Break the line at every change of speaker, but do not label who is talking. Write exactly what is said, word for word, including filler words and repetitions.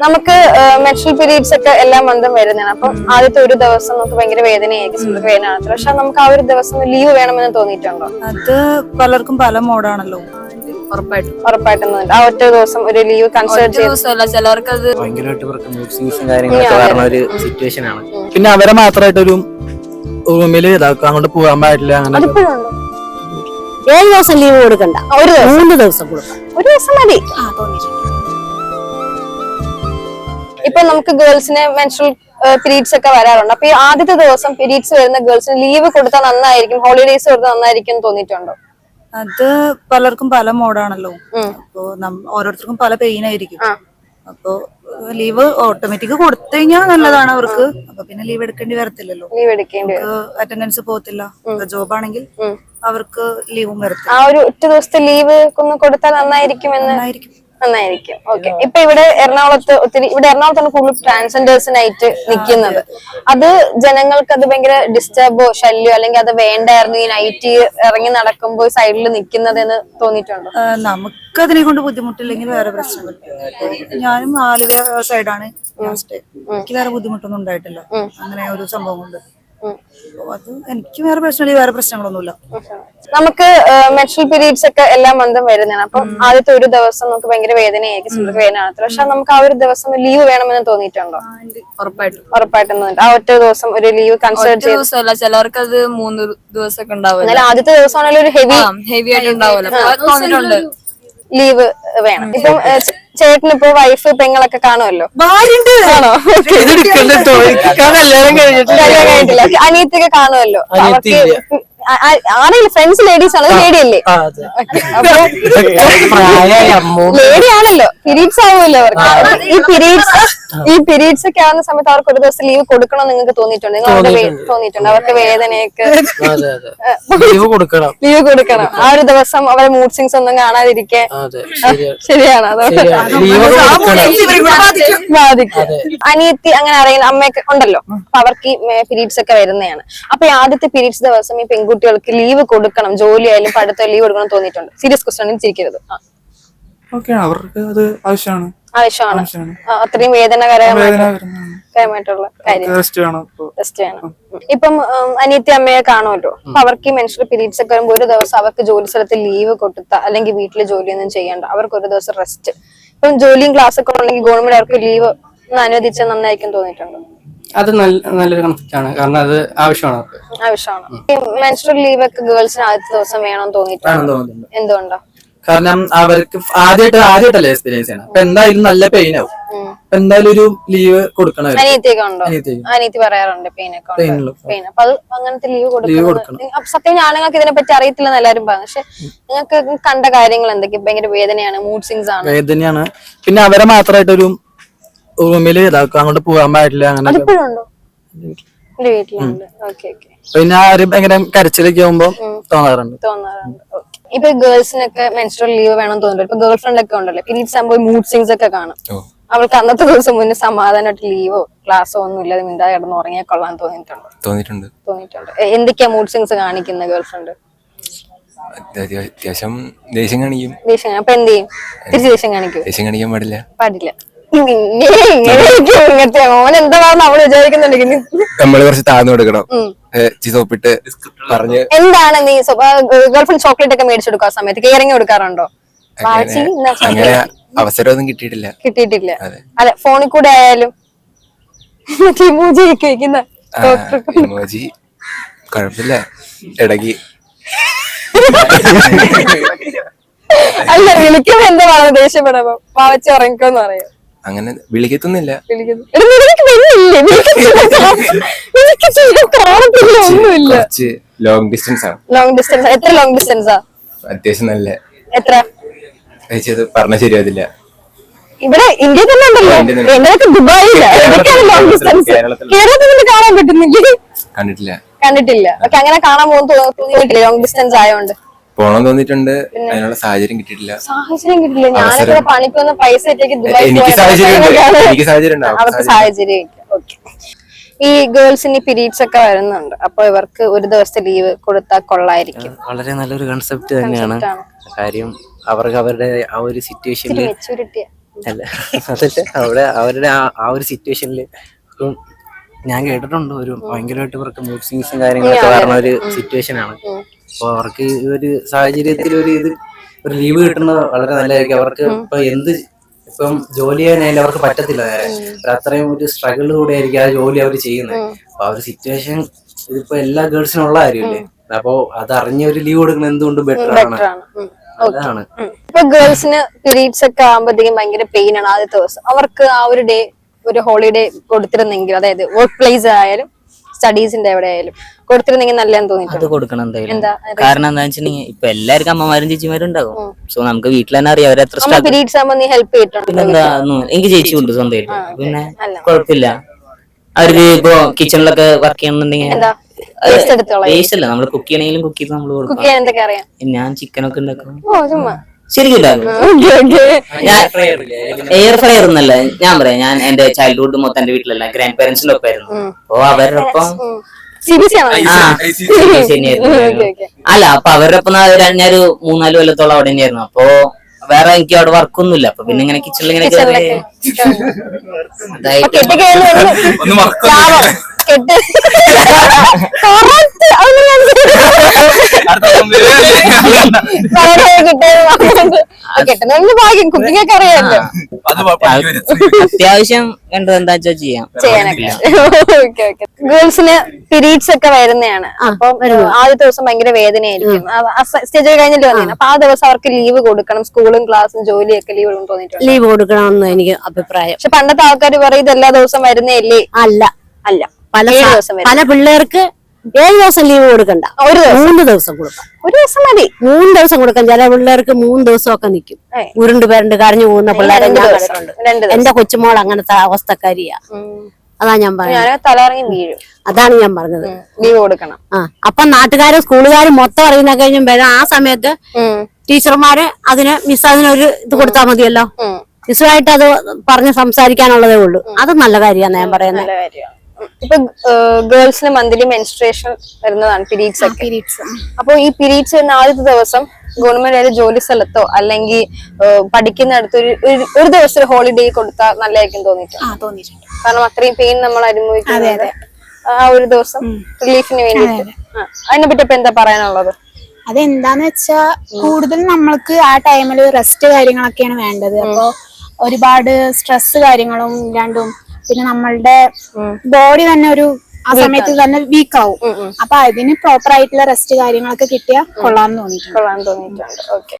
നമുക്ക് menstrual periods ഒക്കെ എല്ലാ മന്തും വരുന്നതാണ്. അപ്പം ആദ്യത്തെ ഒരു ദിവസം നമുക്ക് ഭയങ്കര വേദനയായിരിക്കും, വേദന കാണത്തില്ല. പക്ഷെ നമുക്ക് ആ ഒരു ദിവസം ലീവ് വേണമെന്ന് തോന്നിയിട്ടുണ്ടോ?
അത് പലർക്കും പല മോഡാണല്ലോ.
ഉറപ്പായിട്ടും
ഉറപ്പായിട്ടും ആ ഒറ്റ ദിവസം ഒരു ലീവ് കൺസിഡർ
ചെയ്ത ചിലവർക്ക് അത്
ഭയങ്കരമായിട്ട് കാര്യങ്ങളൊക്കെ വരുന്ന ഒരു സിറ്റുവേഷൻ ആണ്. പിന്നെ അവരെ മാത്രമായിട്ടൊരു റൂമില് ഇതാക്കുക, അങ്ങോട്ട് പോകാൻ പാടില്ല. അങ്ങനെ
ഏഴ് ദിവസം ലീവ് കൊടുക്കണ്ട, ഒരു മൂന്ന് ദിവസം കൊടുക്കാം.
ഒരു ദിവസം മതി. ഇപ്പൊ നമുക്ക് ഗേൾസിന് മെൻസ്ട്രൽ പീരീഡ്സ് ഒക്കെ വരാറുണ്ട്. അപ്പൊ ഈ ആദ്യത്തെ ദിവസം പീരീഡ്സ് വരുന്ന ഗേൾസിന് ലീവ് കൊടുത്താൽ നന്നായിരിക്കും, ഹോളിഡേയ്സ് കൊടുത്താൽ നന്നായിരിക്കും തോന്നിയിട്ടുണ്ടോ?
അത് പലർക്കും പല മോഡാണല്ലോ. അപ്പൊ ഓരോരുത്തർക്കും പല പെയിൻ ആയിരിക്കും. അപ്പൊ ലീവ് ഓട്ടോമാറ്റിക് കൊടുത്തു കഴിഞ്ഞാൽ നല്ലതാണ് അവർക്ക്. അപ്പൊ പിന്നെ ലീവ് എടുക്കേണ്ടി വരത്തില്ലല്ലോ,
ലീവ് എടുക്കേണ്ടി
അറ്റൻഡൻസ് പോകത്തില്ല. ജോബ് ആണെങ്കിൽ അവർക്ക് ലീവും വരത്തില്ല.
ആ ഒരു ഒറ്റ ദിവസത്തെ ലീവ് ഒന്ന് കൊടുത്താൽ നന്നായിരിക്കും എന്ന് നന്നായിരിക്കും. ഓക്കെ. ഇപ്പൊ ഇവിടെ എറണാകുളത്ത് ഒത്തിരി ഇവിടെ എറണാകുളത്താണ് കൂടുതൽ ട്രാൻസ്ജെൻഡേഴ്സിനായിട്ട് നിൽക്കുന്നത്. അത് ജനങ്ങൾക്ക് അത് ഭയങ്കര ഡിസ്റ്റർബോ ശല്യോ അല്ലെങ്കിൽ അത് വേണ്ടായിരുന്നു ഈ നൈറ്റ് ഇറങ്ങി നടക്കുമ്പോൾ സൈഡിൽ നിൽക്കുന്നത് എന്ന് തോന്നിയിട്ടുണ്ടോ?
നമുക്ക് അതിനെ കൊണ്ട് ബുദ്ധിമുട്ടില്ലെങ്കിൽ വേറെ പ്രശ്നങ്ങൾ. ഞാനും ആലുവ സൈഡാണ്, എനിക്ക് വേറെ ബുദ്ധിമുട്ടൊന്നും ഉണ്ടായിട്ടില്ല. അങ്ങനെ ഒരു സംഭവം കൊണ്ട് അത് എനിക്ക് വേറെ പ്രശ്നമില്ല, വേറെ പ്രശ്നങ്ങളൊന്നുമില്ല.
നമുക്ക് മെൻസ്ട്രൽ പീരീഡ്സ് ഒക്കെ എല്ലാ മന്തും വരുന്നതാണ്. അപ്പം ആദ്യത്തെ ഒരു ദിവസം നമുക്ക് ഭയങ്കര വേദനയായിരിക്കും, വേദന കാണത്തില്ല. പക്ഷെ നമുക്ക് ആ ഒരു ദിവസം ലീവ് വേണമെന്ന് തോന്നിയിട്ടുണ്ടോ?
ഉറപ്പായിട്ടും
ഉറപ്പായിട്ടും തോന്നിട്ട് ആ ഒറ്റ ദിവസം ഒരു ലീവ് കൺസിഡർ
ചെയ്ത ചിലവർക്ക് അത് മൂന്ന് ദിവസമൊക്കെ ഉണ്ടാവും.
എന്നാലും ആദ്യത്തെ ദിവസം ആണെങ്കിലും ഒരു ഹെവി
ഹെവി ആയിട്ട് ഉണ്ടാവില്ല,
ലീവ് വേണം. ഇപ്പം ചേട്ടന് ഇപ്പൊ വൈഫ് പെങ്ങളൊക്കെ കാണുമല്ലോ, ആണോ? കല്യാണം കഴിഞ്ഞിട്ടില്ല. അനിയത്തിയൊക്കെ കാണുമല്ലോ. അവർക്ക് ആരെങ്കിലും ഫ്രണ്ട്സ് ലേഡീസ് ആണ്, ലേഡി അല്ലേ? ലേഡി ആണല്ലോ, പീരീഡ്സ് ആവുമല്ലോ അവർക്ക്. ഈ പീരീഡ്സ് ഈ പീരീഡ്സ് ഒക്കെ ആവുന്ന സമയത്ത് അവർക്ക് ഒരു ദിവസം ലീവ് കൊടുക്കണം നിങ്ങൾക്ക് തോന്നിയിട്ടുണ്ട്? നിങ്ങൾ തോന്നിയിട്ടുണ്ട് അവർക്ക് വേദനയൊക്കെ
ലീവ് കൊടുക്കണം
ലീവ് കൊടുക്കണം ആ ഒരു ദിവസം അവരെ മൂഡ് സ്വിങ്സ് ഒന്നും കാണാതിരിക്കാൻ? ശരിയാണ്. ബാധിക്കും. അനിയത്തി അങ്ങനെ അറിയുന്ന അമ്മയൊക്കെ ഉണ്ടല്ലോ, അപ്പൊ അവർക്ക് ഈ പീരീഡ്സ് ഒക്കെ വരുന്നതാണ്. അപ്പൊ ഈ ആദ്യത്തെ പീരീഡ്സ് ദിവസം ഈ പെൺകുട്ടികൾക്ക് ലീവ് കൊടുക്കണം, ജോലി ആയാലും പഠിത്തം ലീവ് കൊടുക്കണം തോന്നിയിട്ടുണ്ട്? സീരിയസ് ക്വസ്റ്റ്യൻ ചിരിക്കരുത്.
അവർക്ക് അത് ആവശ്യമാണ്
ആവശ്യമാണ് അത്രയും വേദനകരമായിട്ടുള്ള കാര്യം. ടെസ്റ്റ് വേണം. ഇപ്പം അനിയത്തി അമ്മയെ കാണുമല്ലോ, അപ്പൊ അവർക്ക് ഈ മെൻസ്ട്രൽ പീരീഡ്സ് ഒക്കെ വരുമ്പോൾ ഒരു ദിവസം അവർക്ക് ജോലി സ്ഥലത്ത് ലീവ് കൊടുത്ത അല്ലെങ്കിൽ വീട്ടില് ജോലിയൊന്നും ചെയ്യണ്ട, അവർക്ക് ഒരു ദിവസം റെസ്റ്റ്. ഇപ്പം ജോലിയും ക്ലാസ് ഒക്കെ ഉണ്ടെങ്കിൽ ഗവൺമെന്റ് അവർക്ക് ലീവ് അനുവദിച്ചാൽ നന്നായിരിക്കും തോന്നിയിട്ടുണ്ടോ?
അത് നല്ലൊരു കൺസെപ്റ്റ് ആണ്, കാരണം അത് ആവശ്യമാണ്
ആവശ്യമാണ്. ഈ മെൻസ്ട്രൽ ലീവ് ഒക്കെ ഗേൾസിന് ആദ്യത്തെ ദിവസം വേണമെന്ന് തോന്നിയിട്ടുണ്ടോ? എന്തുകൊണ്ടോ?
കാരണം അവർക്ക് ആദ്യമായിട്ട് ആദ്യമായിട്ടല്ലേ എക്സ്പീരിയൻസ് ചെയ്യണം. അപ്പൊ എന്തായാലും നല്ല പെയിൻ ആവും. എന്തായാലും ഒരു ലീവ് കൊടുക്കണം.
അനിയത്തിയൊക്കെ ഉണ്ടോ? അനിയത്തി പറയാറുണ്ട് പെയിനൊക്കെ പെയിൻ. അപ്പൊ അത് അങ്ങനത്തെ ലീവ് കൊടുക്കണം. സത്യം ആണുങ്ങൾക്ക് ഇതിനെ പറ്റി അറിയത്തില്ലെന്ന് എല്ലാരും പറഞ്ഞു. പക്ഷെ നിങ്ങൾക്ക് കണ്ട കാര്യങ്ങൾ എന്തൊക്കെയാ? ഭയങ്കര വേദനയാണ്, മൂഡ് സ്വിങ്സ് ആണ്,
വേദനയാണ്. പിന്നെ അവരെ മാത്രമായിട്ടൊരു റൂമില് ഇതാക്കുക, അങ്ങോട്ട് പോകാൻ പാടില്ല. അങ്ങനെ
വീട്ടിലുണ്ട്. Okay okay.
പിന്നെ ആരും ഭയങ്കര കരച്ചിലൊക്കെ ആവുമ്പോ തോന്നാറുണ്ട്
തോന്നാറുണ്ട് ഇപ്പൊ ഗേൾസിനൊക്കെ മെൻസ്ട്രൽ ലീവ് വേണം തോന്നുന്നുണ്ട്. ഇപ്പൊ ഗേൾ ഫ്രണ്ട് ഒക്കെ ഉണ്ടല്ലോ, പീരീഡ്സ് ആകുമ്പോൾ മൂഡ് സ്വിങ്സ് ഒക്കെ കാണും. അവൾക്ക് അന്നത്തെ ദിവസം മുന്നേ സമാധാനമായിട്ട് ലീവോ ക്ലാസ്സോ ഒന്നും ഇല്ലാതെ മിണ്ടാതെ കിടന്ന് ഉറങ്ങിയാൽ കൊള്ളാൻ തോന്നിയിട്ടുണ്ടോ?
തോന്നിയിട്ടുണ്ട്
തോന്നിയിട്ടുണ്ട് എന്തൊക്കെയാ മൂഡ് സ്വിങ്സ് കാണിക്കുന്ന ഗേൾ ഫ്രണ്ട്?
അത്യാവശ്യം ദേഷ്യം കാണിക്കും.
ദേഷ്യം അപ്പൊ എന്ത് ചെയ്യും? തിരിച്ച് ദേഷ്യം കാണിക്കും?
ദേഷ്യം കാണിക്കാൻ പാടില്ല
പാടില്ല. ഇങ്ങനത്തെ ഓൻ എന്താ നമ്മള് വിചാരിക്കുന്നുണ്ടെങ്കിൽ
നമ്മള് കുറച്ച് താഴ്ന്നു കൊടുക്കണം, സോപ്പിട്ട് പറഞ്ഞ്.
എന്താണ് നീ ഗേൾഫ്രണ്ട് ചോക്ലേറ്റ് ഒക്കെ മേടിച്ചു കൊടുക്കുക സമയത്ത് കെയറിങ് കൊടുക്കാറുണ്ടോ?
അങ്ങനെ അവസരമൊന്നും കിട്ടിയിട്ടില്ല
കിട്ടിയിട്ടില്ല അതെ. ഫോണിൽ കൂടെ ആയാലും ഇമോജി
കുഴപ്പമില്ല, ഇടയ്ക്ക്
അല്ല വിളിക്കുമ്പോ എന്താ പറയുക? ദേഷ്യപ്പെടുമ്പോ പാവച്ച ഉറങ്ങിക്കോന്ന് പറയും.
അങ്ങനെ വിളിക്കത്തൊന്നുമില്ല.
ഒന്നുമില്ല.
ലോങ് ഡിസ്റ്റൻസ് ആണ്.
Long distance. എത്ര ലോങ് ഡിസ്റ്റൻസാ?
അത്യാവശ്യം നല്ല.
എത്ര
പറഞ്ഞ ശരിയാവില്ല.
ഇവിടെ ഇന്ത്യ തന്നെ ഉണ്ടല്ലോ, എന്തൊക്കെ ദുബായില്ല. ഏതൊക്കെയാണ് ലോങ് ഡിസ്റ്റൻസ്? കേരളത്തിൽ നിന്ന് കാണാൻ പറ്റുന്നില്ല.
കണ്ടിട്ടില്ല
കണ്ടിട്ടില്ല ഓക്കെ. അങ്ങനെ കാണാൻ പോകുന്ന തോന്നിയിട്ടില്ല ലോങ് ഡിസ്റ്റൻസ് ആയതുകൊണ്ട്?
പോണം തോന്നിയിട്ടുണ്ട്, അതിനുള്ള സാഹചര്യം കിട്ടിയിട്ടില്ല.
സാഹചര്യം കിട്ടില്ല. ഞാനൊക്കെ പണിക്കൊന്ന് പൈസ
എനിക്ക് സാഹചര്യം
അവർക്ക് സാഹചര്യം. ഓക്കെ. ഈ ഗേൾസിന് പീരീഡ്സ് ഒക്കെ വരുന്നുണ്ട്, അപ്പൊ ഇവർക്ക് ഒരു ദിവസത്തെ ലീവ് കൊടുത്താൽ കൊള്ളായിരിക്കും.
വളരെ നല്ലൊരു കൺസെപ്റ്റ് തന്നെയാണ്. കാര്യം അവർക്ക് അവരുടെ ആ ഒരു സിറ്റുവേഷനിൽ അല്ല അതല്ല അവിടെ അവരുടെ ആ ആ ഒരു സിറ്റുവേഷനിൽ ഇപ്പം ഞാൻ കേട്ടിട്ടുണ്ട് ഒരു ഭയങ്കരമായിട്ട് ഇവർക്ക് മൂഡ് സ്വിങ്സും കാര്യങ്ങളൊക്കെ വരുന്ന ഒരു സിറ്റുവേഷൻ ആണ്. അപ്പൊ അവർക്ക് ഈ ഒരു സാഹചര്യത്തിൽ ഒരു ഇത് ഒരു ലീവ് കിട്ടുന്നത് വളരെ നല്ലതായിരിക്കും. അവർക്ക് ഇപ്പൊ എന്ത് ഇപ്പം ജോലി ചെയ്യാനായാലും അവർക്ക് പറ്റത്തില്ല നേരെ. അത്രയും ഒരു സ്ട്രഗിളിലൂടെ ആയിരിക്കും ആ ജോലി അവർ ചെയ്യുന്നത്. അപ്പൊ ആ ഒരു സിറ്റുവേഷൻ ഇതിപ്പോ എല്ലാ ഗേൾസിനും ഉള്ള കാര്യമില്ലേ. അപ്പൊ അത് അറിഞ്ഞ ഒരു ലീവ് കൊടുക്കുന്നത് എന്തുകൊണ്ടും ബെറ്റർ ആണ്. അതാണ്
ഇപ്പൊ ഗേൾസിന് പീരീഡ്സ് ഒക്കെ ആകുമ്പോഴത്തേക്കും ഭയങ്കര പെയിൻ ആണ് ആദ്യത്തെ ദിവസം. അവർക്ക് ആ ഒരു ഡേ ഒരു ഹോളിഡേ കൊടുത്തിരുന്നെങ്കിൽ, അതായത് വർക്ക് പ്ലേസ് ആയാലും സ്റ്റഡീസിന്റെ എവിടെ ആയാലും കൊടുത്തിരുന്നെങ്കിൽ നല്ലതെന്ന്
അത്
തോന്നിയിട്ടുണ്ട്.
കൊടുക്കണം എന്തായാലും.
എന്താ
കാരണം എന്താ വെച്ചിട്ടുണ്ടെങ്കിൽ ഇപ്പൊ എല്ലാവർക്കും അമ്മമാരും ചേച്ചിമാരും ഉണ്ടാകും. സോ നമുക്ക് വീട്ടിൽ തന്നെ അറിയാം അവരെത്ര
അമ്മ
സ്ട്രഗിൾ.
പീരീഡ്സ് ആകുമ്പോൾ നീ ഹെൽപ്പ് ചെയ്തിട്ടുണ്ട്?
പിന്നെന്താ എനിക്ക് ചേച്ചി ഉണ്ട് സ്വന്തമായിട്ട്. പിന്നെ കുഴപ്പമില്ല. അവർക്ക് ഇപ്പൊ കിച്ചണിലൊക്കെ വർക്ക് ചെയ്യണമെന്നുണ്ടെങ്കിൽ
എന്താ വേസ്റ്റ് എടുത്തോളാം.
വേസ്റ്റ് അല്ല, നമ്മള് കുക്ക് ചെയ്യണമെങ്കിലും കുക്ക് ചെയ്ത് നമ്മള്
കുക്ക്
കൊടുക്കും.
ചെയ്യാൻ എന്തൊക്കെ അറിയാം?
ഞാൻ ചിക്കനൊക്കെ ഉണ്ടാക്കും.
ഓ ചുമ്മാ
ശരിക്കും ഉണ്ടാക്കും. ഞാൻ എയർ ഫ്രയർ ഒന്നല്ല, ഞാൻ പറയാം, ഞാൻ എന്റെ ചൈൽഡ്ഹുഡ് മൊത്തം എന്റെ വീട്ടിലല്ല ഗ്രാൻഡ് പേരൻസിന്റെ ഒപ്പമായിരുന്നു. അപ്പൊ അവരുടെ ഒപ്പം
സി ബി സി ആണോ?
ആ ശരിയായിരുന്നു. അല്ല അപ്പൊ അവരുടെ ഒപ്പം ഞാനൊരു മൂന്നാല് കൊല്ലത്തോളം അവിടെ തന്നെയായിരുന്നു. അപ്പൊ വേറെ എനിക്ക് അവിടെ വർക്കൊന്നുമില്ല. അപ്പൊ പിന്നെ ഇങ്ങനെ കിച്ചണിൽ ഇങ്ങനെ കയറി അതായിട്ട്
കെട്ടി കയറി
ഒന്ന് മറക്കുന്നു.
കെട്ട് correct. അതൊന്നും ഞാൻ കെട്ടുന്നതിന് ഭാഗ്യം. കുക്കിംഗ് ഒക്കെ അറിയാമല്ലോ
അത്യാവശ്യം വേണ്ടത് എന്താ വെച്ചാൽ ചെയ്യാം.
ചെയ്യാനൊക്കെ. Okay okay. ഗേൾസിന് പീരീഡ്സ് ഒക്കെ വരുന്നതാണ്. അപ്പം ആദ്യത്തെ ദിവസം ഭയങ്കര വേദനയായിരിക്കും. സ്റ്റേജ് കഴിഞ്ഞിട്ട് വന്നേ. അപ്പൊ ആ ദിവസം അവർക്ക് ലീവ് കൊടുക്കണം. സ്കൂളും ക്ലാസ്സും ജോലിയൊക്കെ ലീവ് തോന്നിയിട്ടുണ്ട്.
ലീവ് കൊടുക്കണമെന്ന് എനിക്ക് അഭിപ്രായം.
പക്ഷെ പണ്ടത്തെ ആൾക്കാർ പറയും ഇത് എല്ലാ ദിവസം വരുന്നേല്ലേ.
അല്ല
അല്ല,
പല
ഏഴ് ദിവസം വരും.
പല പിള്ളേർക്ക് ഏഴ് ദിവസം ലീവ് കൊടുക്കണ്ട,
ഒരു ദിവസം
മൂന്ന് ദിവസം കൊടുക്കാം.
ഒരു ദിവസം മതി.
മൂന്ന് ദിവസം കൊടുക്കാം. ചില പിള്ളേർക്ക് മൂന്ന് ദിവസമൊക്കെ നിൽക്കും.
ഏയ്.
ഉരുണ്ട് പേരുണ്ട് കരഞ്ഞു പോകുന്ന പിള്ളേരെ
രണ്ട്
ഞാൻ
ദിവസം.
കണ്ടിട്ടുണ്ട്.
രണ്ട് ദിവസം.
എന്റെ കൊച്ചുമോൾ അങ്ങനത്തെ അവസ്ഥക്കാരിയാ. അതാ ഞാൻ പറഞ്ഞത്.
ഞാൻ തലറങ്ങി വീഴും.
അതാണ് ഞാൻ പറഞ്ഞത്.
ലീവ് കൊടുക്കണം.
ആ അപ്പൊ നാട്ടുകാരും സ്കൂളുകാരും മൊത്തം അറിയുന്ന കഴിഞ്ഞും വരാം. ആ സമയത്ത് ടീച്ചർമാര് അതിന് മിസ് അതിനൊരു ഇത് കൊടുത്താൽ മതിയല്ലോ. മിസ്സുമായിട്ട് അത് പറഞ്ഞ് സംസാരിക്കാനുള്ളതേ ഉള്ളൂ. അത് നല്ല കാര്യമാണ് ഞാൻ പറയുന്നത്.
നല്ല കാര്യമാണ്. ഇപ്പൊ ഗേൾസിന് മന്ത്ലി മെൻസ്ട്രേഷൻ വരുന്നതാണ് പീരീഡ്സ് ഒക്കെ. അപ്പൊ ഈ പീരീഡ്സ് വരുന്ന ആദ്യത്തെ ദിവസം ഗവൺമെന്റ് ഒരു ജോലി സ്ഥലത്തോ അല്ലെങ്കിൽ പഠിക്കുന്നിടത്ത് ഒരു ഒരു ദിവസം ഒരു ഹോളിഡേ കൊടുത്താൽ നല്ലതായിരിക്കും തോന്നിയിട്ടുണ്ട്. കാരണം അത്രയും പെയിൻ നമ്മൾ അനുഭവിക്കുന്നത് ആ ഒരു ദിവസം റിലീഫിന് വേണ്ടിയിട്ട്. അതിനെ പറ്റി ഇപ്പൊ എന്താ പറയാനുള്ളത്?
അതെന്താന്ന് വെച്ചാ കൂടുതൽ നമ്മൾക്ക് ആ ടൈമില് റെസ്റ്റ് കാര്യങ്ങളൊക്കെയാണ് വേണ്ടത്. അപ്പൊ ഒരുപാട് സ്ട്രെസ് കാര്യങ്ങളും ഇല്ലാണ്ടും പിന്നെ നമ്മളുടെ ബോഡി തന്നെ ഒരു ആ സമയത്ത് തന്നെ വീക്ക് ആവും. അപ്പൊ അതിന് പ്രോപ്പർ ആയിട്ടുള്ള റെസ്റ്റ് കാര്യങ്ങളൊക്കെ കിട്ടിയാൽ കൊള്ളാന്ന് തോന്നിയിട്ടുണ്ട്.
കൊള്ളാൻ തോന്നിയിട്ടുണ്ട്. ഓക്കെ.